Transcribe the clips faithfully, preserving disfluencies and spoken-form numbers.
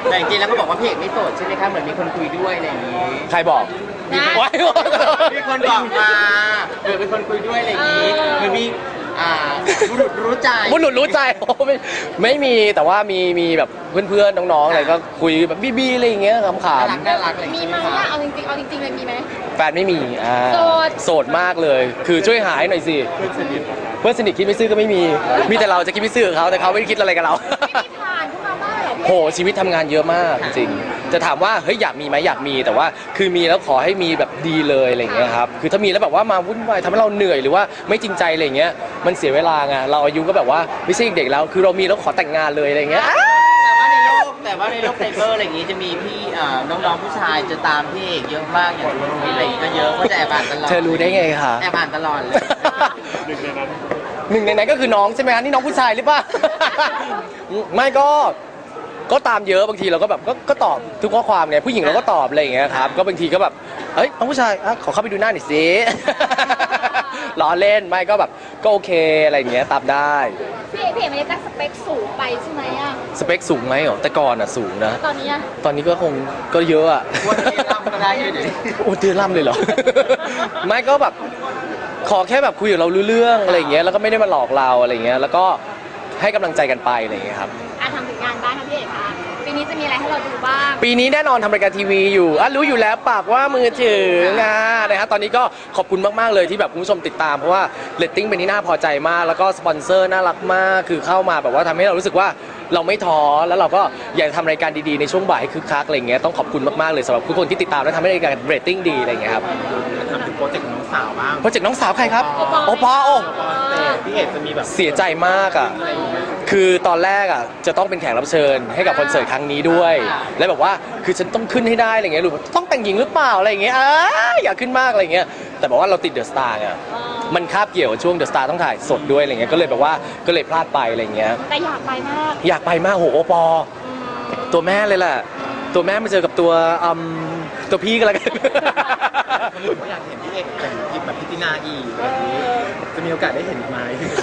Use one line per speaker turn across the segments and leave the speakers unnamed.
แต่จริงๆแล้วก็บอกว่าพี่เอกไม่โสดใช่ไหมคะเหมือนมีคนคุยด้วยอะไรอย่างนี้
ใครบอก
มีคน
ว้าย
มีคนบอกมาเหมือนเป็นคนคุยด้วยอะไรอย่างนี้เหมือนมีอ่าบุรุษรู้ใจ
บุรุษรู้ใจโอ้ไม่ไม่มีแต่ว่ามีมีแบบเพื่อนๆน้องๆอะไรก็คุยแบบบี้ๆอะไรอย่างเงี้ยขำ
น่ารักน่ารักอะไรอย่าง
มี
นี้
ไหม
ใช่ไหม
อะ
คะ
เอาจริงๆเอาจริงๆเลยมีไหม
ๆแฟนไม่มีอ่า
โสด
โสดมากเลย คือช่วยหายหน่อยสิเพื่อนสนิทเพื่อนสนิทคิดไม่ซื่อก็ไม่มีมีแต่เราจะคิดไม่ซื่อกับเขาแต่เขาไม่ได้คิดอะไรกับเรา
ไม่มีผ่านขึ้นมาบ้างเหรอพี่
โหชีวิตทำงานเยอะมากจริงๆจะถามว่าเฮ้ยอยากมีไหมอยากมีแต่ว่าคือมีแล้วขอให้มีแบบดีเลยอะไรอย่างเงี้ยครับคือถ้ามีแล้วแบบว่ามาวุ่นวายทำให้เราเหนื่อยหรือว่าไม่จริงใจอะไรอย่างเงี้ยมันเสียเวลาไงเราอายุก็แบบว่าไม่ใช่เด็กแล้วคือเรามีแล้วขอแต่งงานเลยอะไรอย่างเงี้ย
แต่ว่าในโลกแต่ว่าในโลกไซเบอร์อะไรอย่างนี้จะมีพี่อ่าน้องๆผู้ชายจะตามพี่เอกเยอะมากอย่างนุ้ยอะไรอย่างนี้ก็เยอะก็จะแอบอ่านตลอด
เธอรู้ได้ไงคะ
แอบอ่านตลอดเลย
หนึ่งในนั้นก็คือน้องใช่ไหมคะนี่น้องผู้ชายหรือเปล่า ไม่ก็ก็ตามเยอะบางทีเราก็แบบก็ก็ตอบทุกข้อความเนี่ยผู้หญิงเราก็ตอบอะไรอย่างเงี้ยครับก็บางทีก็แบบเอ้ยน้องผู้ชายอ่ะขอเข้าไปดูหน้าหน่อยสิ ล้อเล่นไม่ก็แบบก็โอเคอะไรอย่างเงี้ยตามได้
พี่เอกพี่เอกไม่ได้ตั้งสเปคสูงไปใช่ไหมอะ
สเปคสูงไหมเหรอแต่ก่อนอ่ะสูงนะ
ตอนนี้อะ
ตอนนี้ก็คงก็เยอะอ่ะ
วันนี้ร่ำก็ได้อยู่เดี๋ยวนี้
โอ้เตือนล่ำเลยเหรอ ไม่ก็แบบขอแค่แบบคุยกับเรารู้เรื่องอะไรอย่างเงี้ยแล้วก็ไม่ได้มาหลอกเราอะไรอย่างเงี้ยแล้วก็ให้กำลังใจกันไปอะไรอย่างเงี้ยครับ
อ่ะทำถึงงานบ้างค่ะพี่เอกคะปีนี้จะมีอะไรให้เราดูบ้าง
ปีนี้แน่นอนทำรายการทีวีอยู่อ่ะรู้อยู่แล้วปากว่ามือถืองานะฮะตอนนี้ก็ขอบคุณมากๆเลยที่แบบคุณผู้ชมติดตามเพราะว่าเรตติ้งเป็นที่น่าพอใจมากแล้วก็สปอนเซอร์น่ารักมากคือเข้ามาแบบว่าทำให้เรารู้สึกว่าเราไม่ท้อแล้วเราก็อยากทำรายการดีๆในช่วงบ่ายให้คึกคักอะไรอย่างเงี้ยต้องขอบคุณมากๆเลยสำหรับทุกคนที่ติดตามและทำให้รายการเรตติ้งดีอะไรอย่างเงี้ยครับ
ทำถึงโปรเจกต์น้องสาวบ้าง
โปรเจกต์น้องสาวใครครับโอปอโอ
พี่เอกจะมีแบบ
เสียใจมากอ่ะ คือตอนแรกอ่ะจะต้องเป็นแขกรับเชิญให้กับคอนเสิร์ตครั้งนี้ด้วย แล้วแบบว่าคือฉันต้องขึ้นให้ได้อะไรเงี้ยหรือต้องแต่งหญิงหรือเปล่าอะไรอย่างเงี้ยอ่าอยากขึ้นมากอะไรเงี้ย แต่บอกว่าเราติดเดอะสตาร์ไงมันคาบเกี่ยวกับช่วงเดอะสตาร์ต้องถ่ายสดด้วยอะไรเงี้ย ก็เลยแบบว่าก็เลยพลาดไปอะไรเงี้ย
แต่อยากไปมาก
อยากไปมากโหโอปอ ตัวแม่เลยแหละ ตัวแม่มาเจอกับตัวอืมตัวพี่ก็แล้วกัน
ผมก็อยากเห็นพี่เอกแต่งทีมแบบพิตินาอีกแบบนี้จะมีโอกาสได้เห็นไหม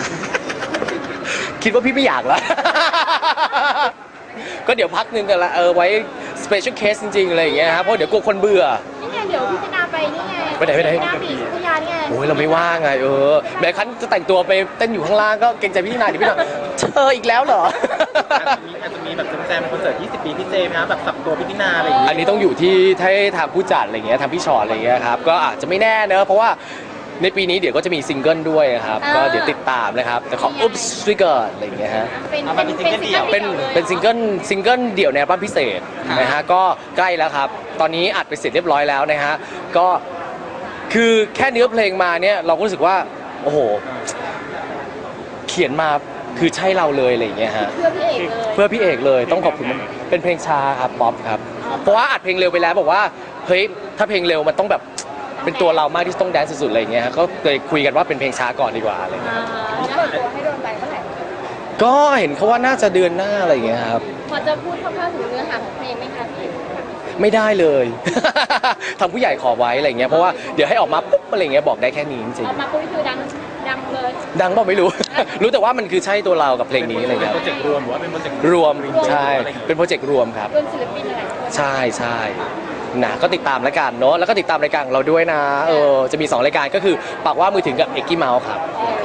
คิดว่าพี่ไม่อยากแล้ว ก็เดี๋ยวพักหนึงกันละเออไว้ special case จริงๆอะไรอย่างเงี้ยครับเพราะเดี๋ยวกลัวคนเบื่อ
นี่ไงเดี๋ยวพี่จะนาไปนี่ไง
ไปไหนไปไหน
พี่นาบีพัทยานี่ไง
โอ้ยเราไม่ว่างไงเออแม้ครั้นจะแต่งตัวไปเต้นอยู่ข้างล่างก็เกรงใจพี่นายเดี๋ยวพี่นายเธออีกแล้วเหรอ
อาจจะมีอาจจะมีแบบแซมๆคอนเสิร์ตยี่สิบปีพี่เจมส์นะแบบสับตัวพิตินาอะไรอย่าง
อั
งี้
นนี้ต้องอยู่ที่ให้ทางผู้จัดอะไรเงี้ยทางพี่ชอตอะไรเงี้ยครับก็อาจจะไม่แน่เนอะเพราะว่าในปีนี้เดี๋ยวก็จะมีซิงเกิลด้วยนะครับก็เดี๋ยวติดตามนะครับแต่ขออุ๊บสวิกเกอร์อะไรอย่างเงี้ยฮะ
เป็นเป็นเป็นซิงเกิล
เป็นเป็นซิงเกิลซิงเกิลเดี่ยวในอัลบั้มพิเศษนะฮะก็ใกล้แล้วครับ ตอนนี้อัดไปเสร็จเรียบร้อยแล้วนะฮะก็คือแค่เนื้อเพลงมาเนี่ยเราก็รู้สึกว่าโอ้โหเขียนมาคือใช่เราเลยอะไรอย่างเงี้ยฮะ
เพื่อพี่เอกเลย
เพื่อพี่เอกเลยต้องขอบคุณมันเป็นเพลงช้าครับป๊อปครับเพราะว่าอัดเพลงเร็วไปแล้วบอกว่าเฮ้ยถ้าเพลงเร็วมันต้องแบบเป็นตัวเรามากที่ต้องแดนซ์สุดๆอะไรอย่างเงี้ยฮะก็เลยคุยกันว่าเป็นเพลงช้าก่อนดีกว่าอะไรอย่างเงี้ย
อ่าแล้วเปิดตัวให้โดนไปเมื่อไหร่
ก็เห็นเขาว่าน่าจะเดือนหน้าอะไรอย่างเงี้ยครับ
พอจะพูดคร่าวๆถึงเนื้อหาของเพลงไหมคะพี่
ไม่ได้เลย ทางผู้ใหญ่ขอไว้อะไรอย่างเงี้ยเพราะว่าเดี๋ยวให้ออกมาปุ๊บอะไรอย่างเงี้ยบอกได้แค่นี้จริง
ออกมาปุ๊บคือดังดังเลย
ๆดังเปล่าไม่รู้ รู้แต่ว่ามันคือใช่ตัวเรากับเพลงนี้อะไรอย่าง
เป็น
เงี้ย
โปรเจกต์รวมหรือว่าเป็นโปรเจกต์
รวมใช่เป็นโปรเจกต์รวมครับ
รวมศิลปินอะไรด้วย
ใช่ใช่นะก็ติดตามแล้วกันเนาะแล้วก็ติดตามรายการของเราด้วยนะเออจะมีสองรายการก็คือปากว่ามือถึงกับเอ็กกี้เมาส์ครับ
เออ